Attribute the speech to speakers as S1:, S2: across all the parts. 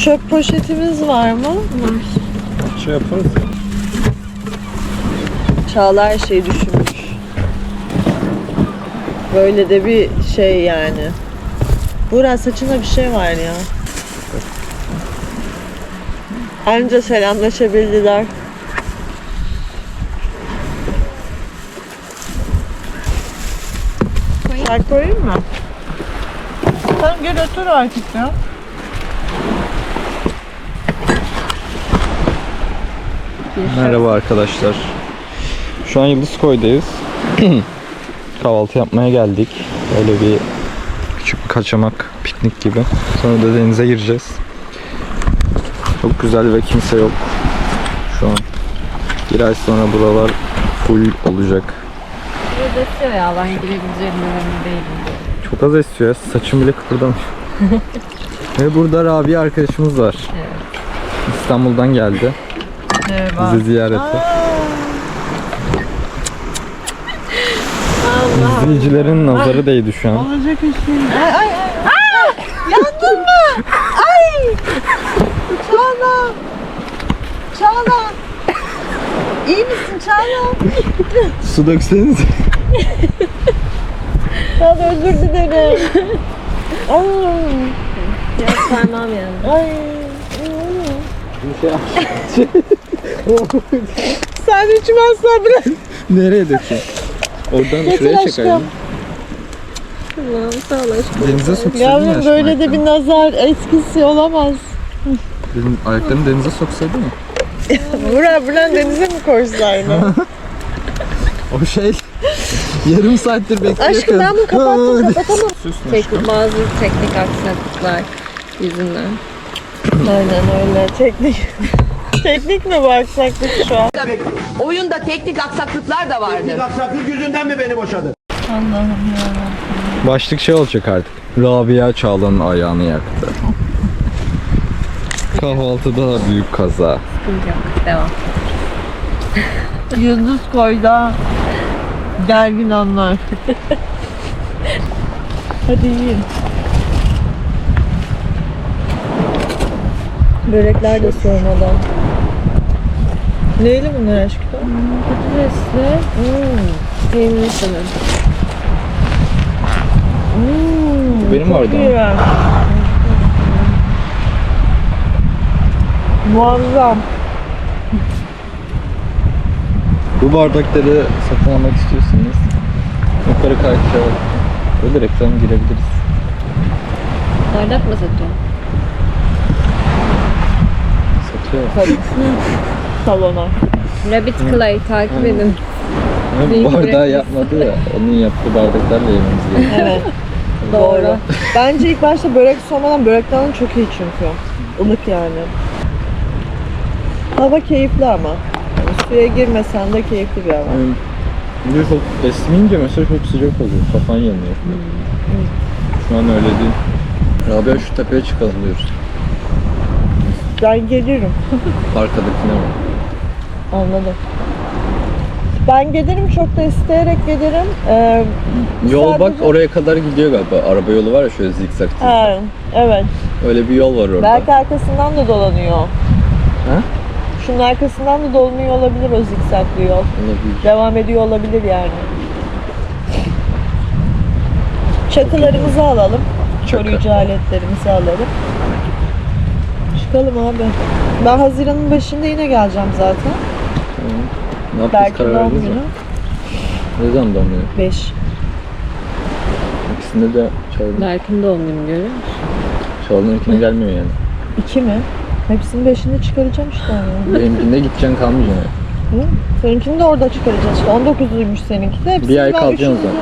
S1: Çöp poşetimiz var mı?
S2: Var.
S3: Şey yaparız.
S1: Çağla her şeyi düşünmüş. Böyle de bir şey yani. Buğra saçında bir şey var ya. Anca selamlaşabildiler. Çay koyayım mı? Sen gel otur artık ya.
S3: Merhaba arkadaşlar. Şu an Yıldızkoy'dayız. Kahvaltı yapmaya geldik. Böyle bir küçük bir kaçamak, piknik gibi. Sonra da denize gireceğiz. Çok güzel ve kimse yok. Şu an bir ay sonra buralar full olacak.
S2: Burada esiyor ya, ben girebileceğim önemli değilim.
S3: Çok az esiyor ya. Saçım bile kıpırdamış. Ve burada Rabia arkadaşımız var.
S2: Evet.
S3: İstanbul'dan geldi.
S1: Merhaba.
S3: Bizi ziyarete. İzleyicilerin nazarı değdi şu an.
S1: Olacak iş değil. Ay. Yandın mı? Ay! Çağla! Çağla! İyi misin Çağla?
S3: Su dökseniz.
S1: Çağla özür dilerim. Ay!
S2: Biraz parmağım yandı.
S1: Ay! Sen içmezsen bırak.
S3: Nereye dökeyim? Oradan
S1: Getir
S3: şuraya
S1: aşkım.
S3: çekelim.
S2: Allah'ım sağ ol aşkım.
S3: Denize soksaydın ya
S1: Yavrum
S3: aşkım
S1: böyle de bir
S3: ayaklarını.
S1: nazar etkisi olamaz.
S3: Ayaklarını denize soksaydın mı?
S1: Buradan denize mi koysaydın?
S3: O şey yarım saattir bekliyor.
S1: Aşkım ben bunu kapatamam.
S2: Bazı teknik aksaklıklar yüzünden.
S1: Aynen öyle. Teknik mi bu aksaklık şu an?
S4: Oyunda teknik aksaklıklar da vardı.
S5: Teknik aksaklık yüzünden mi beni boşadın?
S1: Allah'ım ya.
S3: Başlık şey olacak artık. Rabia Çağla'nın ayağını yaktı. Kahvaltıda büyük kaza.
S2: Sıkıntı yok. Devam.
S1: Yıldız koyda gergin anlar. Hadi yiyin. Börekler de sormadan. Neyli bunlar aşkım?
S2: Patatesli. Peynirli sanırım.
S3: Benim
S1: çok
S3: vardı
S1: iyi. Muazzam.
S3: Bu bardakları satın almak istiyorsanız yukarı karşıya böyle reklam girebiliriz.
S2: Bardak mı satıyor?
S3: Satıyor.
S1: Salona.
S2: Rabbit Clay takip edin.
S3: Ama
S2: Neyi
S3: bardağı
S2: bırakıyorsun?
S3: yapmadı ya. Onun yaptığı bardaklarla yememiz gerekiyor.
S1: Evet.
S2: Doğru.
S1: Bence ilk başta börek sormadan börekten çok iyi çünkü. Ilık yani. Hava keyifli ama. Yani suya girmesen de keyifli bir hava.
S3: Yani bir de çok esmeyince mesela çok sıcak oluyor. Kafan yanıyor. Şu an öyle değil. Rabia şu tepeye çıkalım diyoruz.
S1: Ben gelirim.
S3: Arkadakine var.
S1: Anladım. Ben gelirim, çok da isteyerek gelirim.
S3: Yol bak
S1: sadece-
S3: oraya kadar gidiyor galiba. Araba yolu var ya şöyle zikzak.
S1: Ha, evet.
S3: Öyle bir yol var orada.
S1: Belki arkasından da dolanıyor.
S3: Ha?
S1: Şunun arkasından da dolanıyor olabilir o zikzaklı yol.
S3: Olabilir.
S1: Devam ediyor olabilir yani. Çakılarımızı alalım.
S3: Çakı.
S1: Koruyucu aletlerimizi alalım. Çıkalım abi. Ben Haziran'ın başında yine geleceğim zaten.
S3: Tamam. Ne yapacağız,
S1: Belki
S3: karar
S1: doğum
S3: verdiniz mi?
S1: günü.
S3: Ne zaman doğum günü?
S1: 5.
S3: İkisinde de
S2: Berk'in doğum günü görüyor musun?
S3: Çağla'nınkine gelmiyor yani.
S1: 2 mi? Hepsinin 5'ini çıkaracağım işte. Yani.
S3: Benimkinde gideceksin kalmayacaksın.
S1: Hı? Seninkini de orada çıkaracağız işte. 19'luymuş seninki de. Hepsini
S3: Bir ay
S1: ben
S3: kalacaksın o zaman.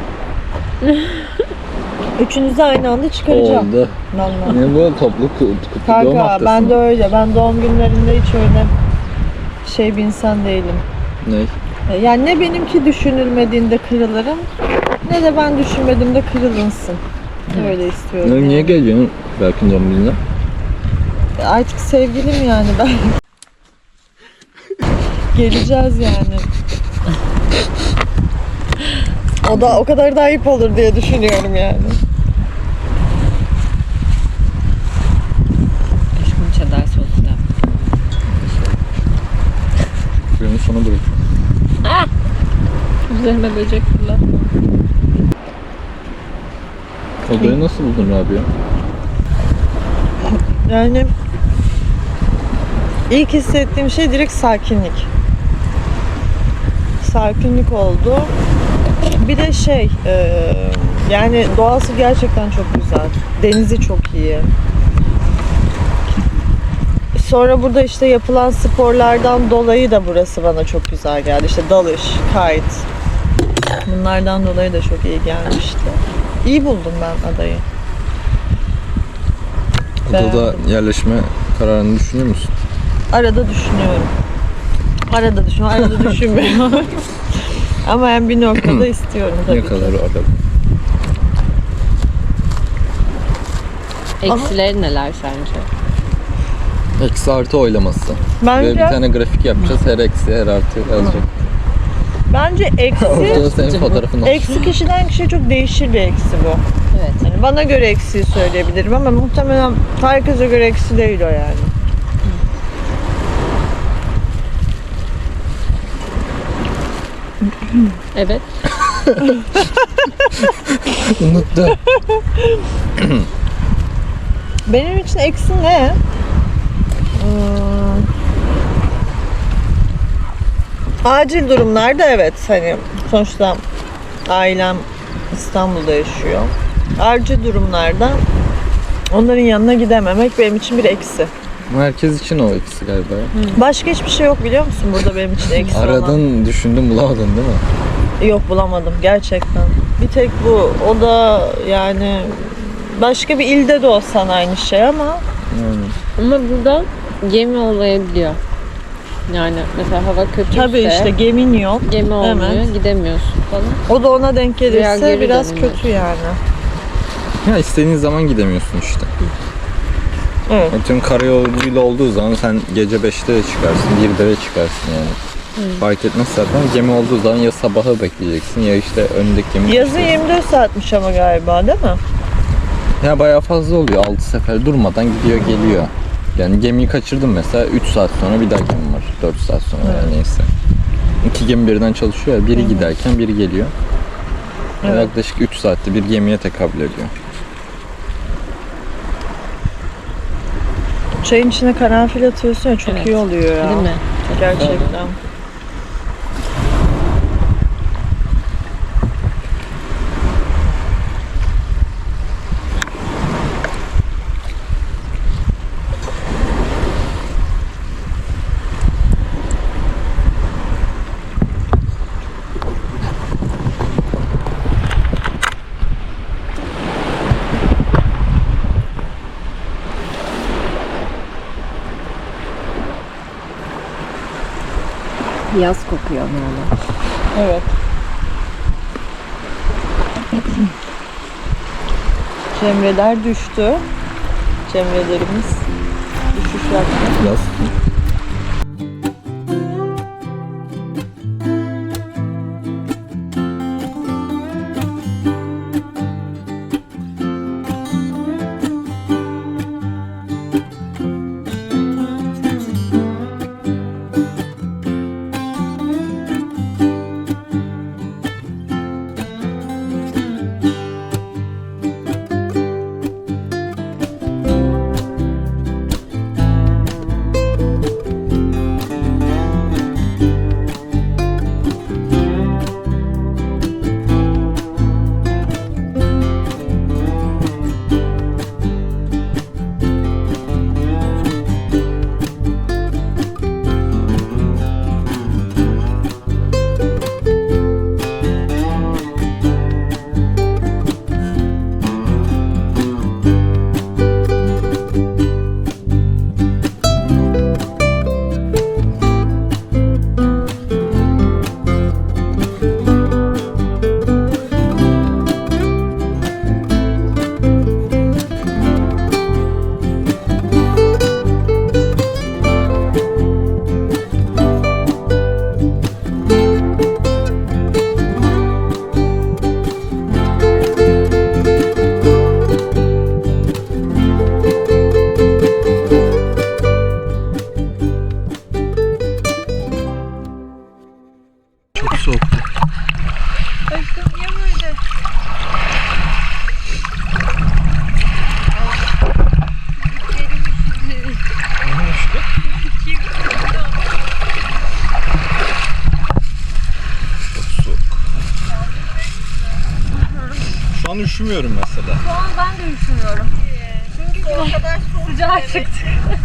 S1: Üçünüzü aynı anda çıkaracağım.
S3: Oldu.
S1: Vallahi.
S3: Ne bu toplu kutlu doğum
S1: Kanka
S3: haftası
S1: ben
S3: mı?
S1: de öyle. Ben doğum günlerinde hiç öyle şey bir insan değilim.
S3: Ne?
S1: Yani ne benimki düşünülmediğinde kırılırım, ne de ben düşünmediğimde kırılınsın. Öyle istiyorum.
S3: Niye
S1: yani.
S3: geliyorsun Berk'in doğum gününe?
S1: Artık sevgilim yani ben. Geleceğiz yani. O da o kadar da ayıp olur diye düşünüyorum yani.
S3: sona bırakıyorum.
S2: Üzerime böcek fırlatma.
S3: Odayı nasıl buldun Rabia?
S1: Yani ilk hissettiğim şey direkt sakinlik. Sakinlik oldu. Bir de yani doğası gerçekten çok güzel. Denizi çok iyi. Sonra burada işte yapılan sporlardan dolayı da burası bana çok güzel geldi. İşte dalış, kite. Bunlardan dolayı da çok iyi gelmişti. İyi buldum ben adayı.
S3: Odada yerleşme kararını düşünüyor musun?
S1: Arada düşünüyorum. Arada düşünmüyorum. Ama yani bir noktada istiyorum tabii
S3: Ne
S1: ki.
S3: kadar arada?
S2: Eksileri neler sence?
S3: Eksi artı oylaması. Ve
S1: Bence,
S3: bir tane grafik yapacağız. Her eksi her artı yazacak.
S1: bence
S3: Ortada senin fotoğrafın olsun.
S1: eksi kişiden kişiye çok değişir bir eksi bu.
S2: Evet.
S1: Yani bana göre eksiği söyleyebilirim ama muhtemelen herkese göre eksi değil o yani.
S2: Evet.
S3: Unuttu.
S1: Benim için eksi ne? Acil durumlarda evet, hani sonuçta ailem İstanbul'da yaşıyor. Acil durumlarda onların yanına gidememek benim için bir eksi.
S3: Herkes için o eksi galiba ya.
S1: Başka hiçbir şey yok biliyor musun burada benim için eksi olan?
S3: Aradın, düşündün, bulamadın değil mi?
S1: Yok, bulamadım gerçekten. Bir tek bu. O da yani başka bir ilde de olsan aynı şey ama
S3: Yani.
S2: Ama burada gemi olmayabiliyor. Yani mesela hava kötüyse
S1: tabii işte gemin yok.
S2: gemi olmuyor,
S1: Evet.
S2: gidemiyorsun falan.
S1: O da ona denk
S2: Veya
S1: gelirse
S2: geri
S1: biraz
S2: dönüyor.
S1: kötü yani.
S3: Ya istediğin zaman gidemiyorsun işte.
S1: Evet.
S3: Tüm karayoluyla olduğu zaman sen gece 5'te de çıkarsın, 1'de de çıkarsın yani. Fark etmez zaten. Gemi olduğu zaman ya sabahı bekleyeceksin ya işte önündeki gemi.
S1: Yazın 24 saatmiş ama galiba değil mi?
S3: Ya bayağı fazla oluyor. 6 sefer durmadan gidiyor geliyor. Yani gemiyi kaçırdım mesela 3 saat sonra bir daha gemi var. 4 saat sonra yani neyse. 2 gemi birden çalışıyor ya. Biri giderken biri geliyor.
S1: Evet.
S3: Yaklaşık 3 saatte bir gemiye tekabül ediyor.
S1: Çayın içine karanfil atıyorsun ya, çok
S2: Evet.
S1: iyi oluyor ya.
S2: Değil mi?
S1: Gerçekten.
S2: Yaz kokuyor böyle.
S1: Evet. Cemreler düştü. Cemrelerimiz düşüş yaptı.
S3: Yaz. soğuktu.
S1: Aşkım niye böyle?
S3: Şu an üşümüyorum mesela.
S2: Şu an ben de üşümüyorum. Çünkü o kadar sıcağı çıktı.